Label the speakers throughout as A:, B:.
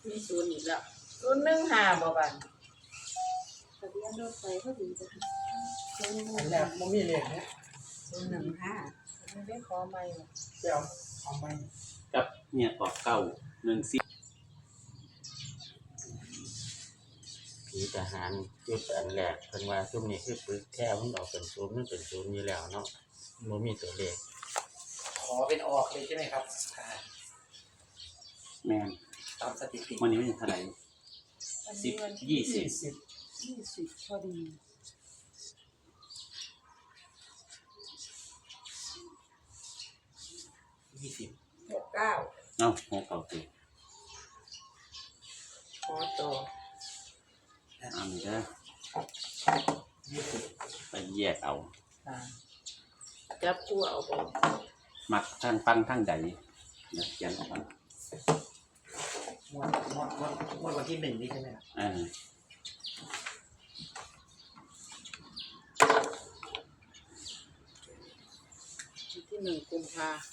A: มีศูนย์อีกแล้ว
B: 015บ่บัด
A: ทะเบียนรถไฟเขาดีจ้ะ
C: อันแรกมันมีเลขเนี่ย
B: 015ไม่ได้ขอใหม่บ่
C: เดี๋ยวเอาไหม
D: กับเนี่ยกอกเก่า1 10
E: ผีทหารจุดอันแรกเพิ่นว่าซุมนี้คือปึกแค่มันออกเป็นศูนย์มันเป็นศูนย์อยู่แล้วเนาะบ่มีตัวเลข
C: ขอเป็นออกเลยใช่ไหมครับ
D: แม่น
C: ตามสถิติ
D: วันนี้มันเท่าไหร่
B: อันนี้วันที่
D: 10 20
B: 20พอดี
C: 20
B: 69
D: เอ้าหัวเก่าติ
B: ขอต่อ
D: เอานี่เด้อ
C: 20
D: ไปแยกเอา
B: ค่ะจับคู่เอาบ่
D: มักทางฟังทางใดเดี๋ยวเขียนออกมา
C: งวดวันที่1นี่ใช่ไหมครับ
B: วันที่1กุมภาพันธ์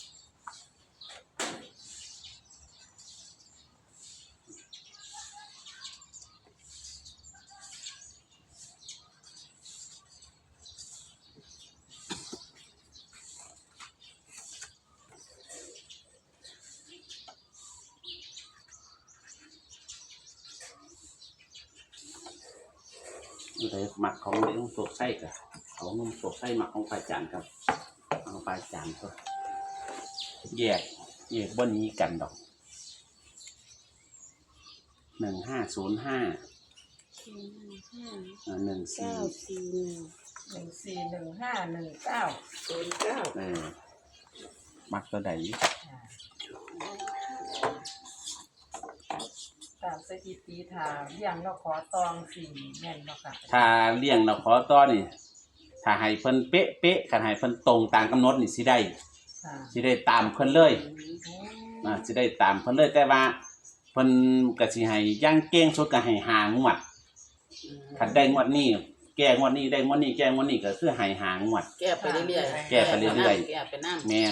D: เลยหมักของเลี้ยงโศกไส้กับของนุ่มโศกไส้หมักของปลาจานครับของปลาจานก็แยกบนนี้กันดอก1505
A: 941
D: มักตัวใด
B: ตามสถิติถามเลี้ยงเราขอตอง4แม่นบ่ค่ะ
D: ถ้าเลี้ยงเราขอต่อนี่ถ้าให้เพิ่นเป๊ะคันให้เพิ่นตรงตามกำหนดนี่สิได้
B: ค่ะ
D: สิได้ตามเพิ่นเลยสิได้ตามเพิ่นเลยแต่ว่าเพิ่นก็สิให้ย่างเก่งสุดก็ให้5 งวดคันได้งวดนี้แก้งวดนี้ได้งวดนี้แก้งวดนี้ก็คือให้5 งวด
A: แก้ไปเรื่อยๆ
D: แก้ไปเรื่อย
A: แก้ไปน้ำ
D: แม่น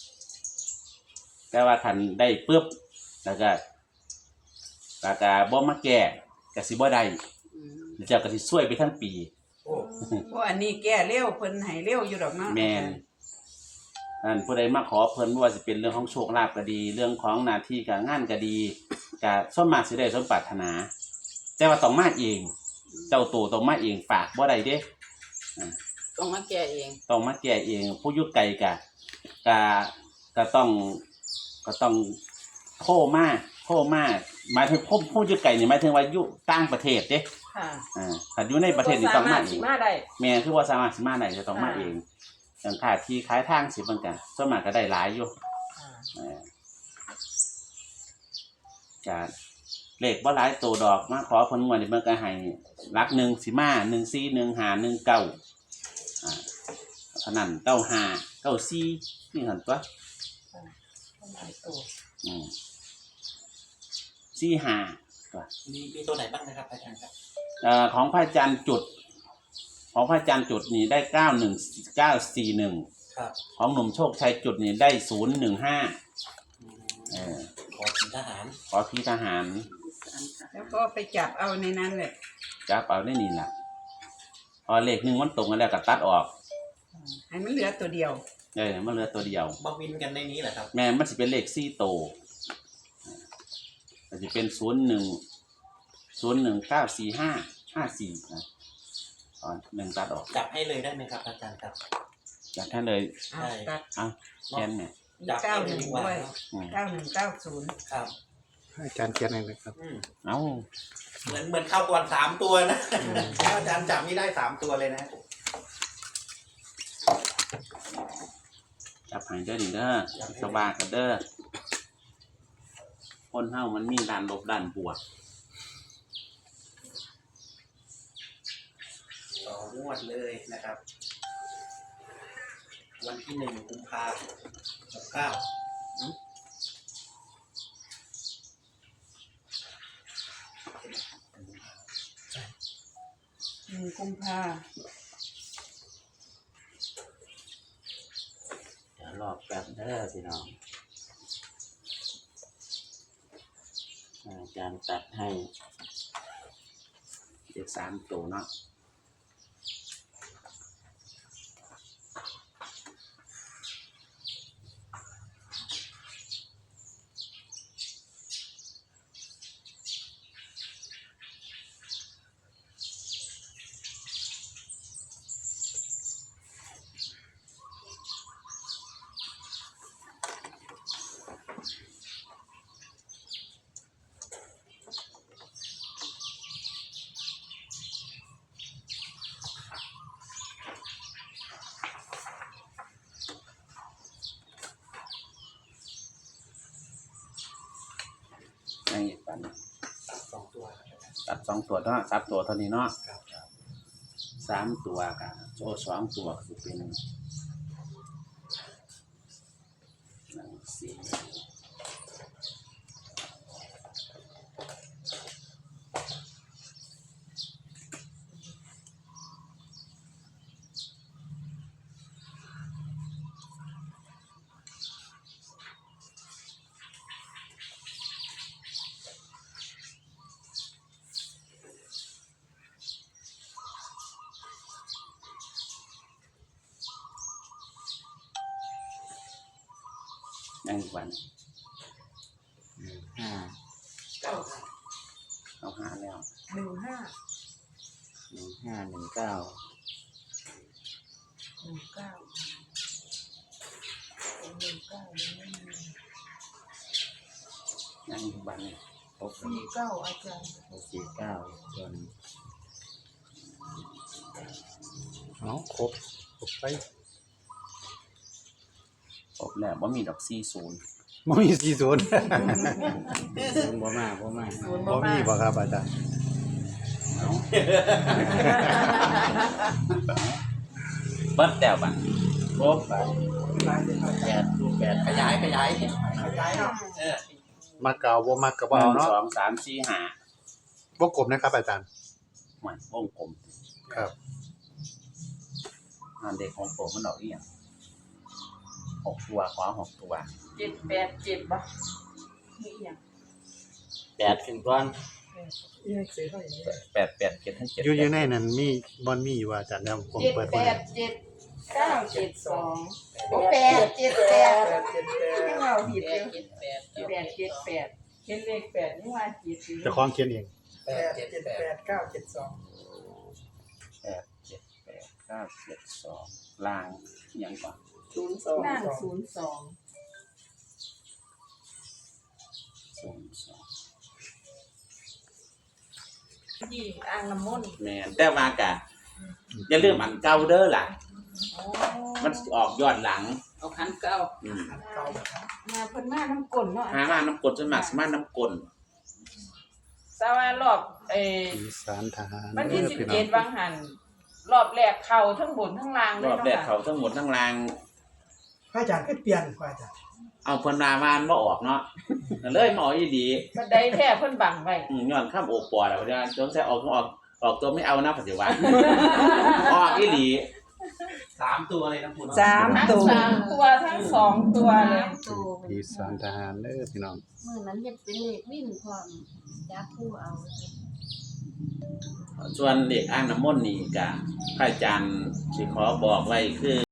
D: แต่ว่าคันได้ปึ๊บแล้วก็บ่มาแก้ก็สิบ่ได้เจ้าก็สิซวยไปทั้งปี
C: โอ้
F: เพราะอันนี้แก้เร็วเพิ่นให้เร็วอยู่ดอกเนาะ
D: แม่นอันผู้ใดมาขอเพิ่นบ่ว่าสิเป็นเรื่องของโชคลาภก็ดี เรื่องของหน้าที่การงานก็ดีก็ส่วนมากสิได้สมปรารถนา แต่ว่าต้องมาเอง เจ้าตัวต้องมาเองฝากบ่ได้เด้
A: ต้องมาแก้เอง
D: ต้องมาแก้เองผู้อยู่ไกลก็ต้องโทรมาหมายถึงผู้อยู่ไกลนี่หมายถึงว่าอยู่ต่างประเทศเด้
B: ค่ะ
D: ถ้าอยู่ในประเทศนี่ต้องมาเอง
B: สรถสิมาได้
D: แม่คือว่าสามารถสิมาได้จะต้องมาเองอย่างค่าที่ขายทางสิเพิ่นก็ส่วนมากก็ได้หลายอยู่
B: ค่ะ
D: ก็เลขบ่หลายตัวดอกมาขอเพิ่นงวดนี้เพิ่นก็ให้หลัก1สิมา14 15 19เท่านั้น95 94นี่หั่นตัว
B: ต้องหลายตัว
D: 45ตัว
C: มีตัวไหนบ้างนะครับอาจารย์ครับ
D: ของพระอาจารย์จุดนี่ได้941
C: ครับ
D: ของหนุ่มโชคชัยจุดนี่ได้015
C: ขอถึงทหาร
D: ขอพี่ทหาร
F: แล้วก็ไปจับเอาในนั้นแหละ
D: จับเอาได้นี่ล่ะพอเลข1มันตรงกันแล้วก็ตัดออก
F: ให้มันเหลือตัวเดียว
D: มันเหลือตัวเดียว
C: มาวินกันในนี้แหละครับ
D: แม่มันสิเป็นเลข4โตวมันสิเป็น01945554นะอ๋อ1ตัดออก
C: จับให้เลยได้ไหมครับอาจารย์ครับ
D: จากท่านเลย
F: เอาตัด
D: เอาแค่นี้
C: จับให้เลยดีกว่า
F: ด้วย
C: เนาะ
F: 9190
C: ครับ
G: อาจารย์เขียนอะไรนะครับ
D: เอา
C: เหมือนเข้าก่อน3 ตัวนะถ้าอาจารย์จับนี่ได้3 ตัวเลยนะ
D: จับให้เด้อนี่เด้อสบายกันเด้อคนเฮามันมีด้านลบด้านบวก
C: ต่องวดเลยนะครับ วันที่1 กุมภาพันธ์
F: 1 กุมภา
E: เดี๋ยวรอแป๊บเด้อพี่น้องอาจารย์ตัดให้
D: เลข3ตัวเนาะยังอีกปัน
C: 2 ตัว
D: ตัด2ตัวเนาะ3ตัวเท่านี้เนาะ
C: ครับ
D: 3ตัวกับ2ตัวคือเป็น1 4ยังอีกวัน
E: 5
D: เอาหาแล้ว
B: 15
E: 1519
B: 19
D: ยังอีกวันครบ
B: 49อาจารย์
E: 69ตัวนี้
G: เอาครบไป
D: ครบแล้วบ่มีดอก40
G: บ่มี40
E: บ่มา
G: บ่มีบ่ครับอาจารย์
D: เอาเบิดแล้วบัด
E: ครบไป8รูป8
C: ขยายเนาะ
G: มักเก่าบ่มักก็บ่เอาเนาะ
D: 1 2 3 4 5
G: วงกลมนะครับอาจารย์
D: หมันวงกลม
G: ครับ
D: อันเด็กของผมมันดอกอีหยัง6ตัวขวา6ตัว
B: 787บ่นี่หยัง
E: 8ขึ้นก่อน
D: 8 8 7ทั้ง7
G: อยู่ในนั้นมีบ่มีอยู่ว่าอาจารย์แล้วผมเปิดไว้
B: 972โอ้878ให้เราผิดเลย878เขียนเลข8นี่ว่าจิต
G: เจ้าของเขียนเอง
D: 8 7 8 9 7 2ล่างอิหยังก่อน
B: นั่ง02 ที่อ่างน้ำมนต์
D: แม่นแต่ว่ากะอย่าลืมอันเก่าเด้อล่ะ
B: โอ้
D: มันสิออกย้อนหลัง
A: เอาคันเก่า
B: มาเพิ่นมาน้ำกลนเนาะ
D: หามาน้ำกลจนมากสิมาน้ำกล
B: สว่ารอบ
G: อีสานทหาร
B: วันที่
G: พี่น้อง
B: 17วังหันรอบแรกเข้าทั้งบนทั้งล่างเล
D: ร
B: ย
D: อบ
B: เนาะ
D: แรก
B: ค่ะ
D: เขาทั้งหมดทั้งราง
H: พระอาจารย์ก็เปลี่ยนพระอาจารย์
D: เอาเพิ่นมามานบ่ออกเนาะก็เลยมาออกอีหลี
B: บันไดแท้เพิ่นบังไว้
D: ย้อนข้ามโอปอแล้วว่าจนใส่ออกตัวไม่เอานะปัจจุบันออกอีหลี
C: 3 ตัวเลยนะคุณ
B: ทั้ง3ตัวทั้ง2ตัวเลย
G: อีสานทหารเด้อพี่น้อง
A: มื้อนั้นเฮ็ดเป็นเลขวิ่งพร้อมจับผู้เอา
D: ส่วนเด็กอ่างน้ำมนต์นี่ก็พระอาจารย์สิขอบอกไว้คือ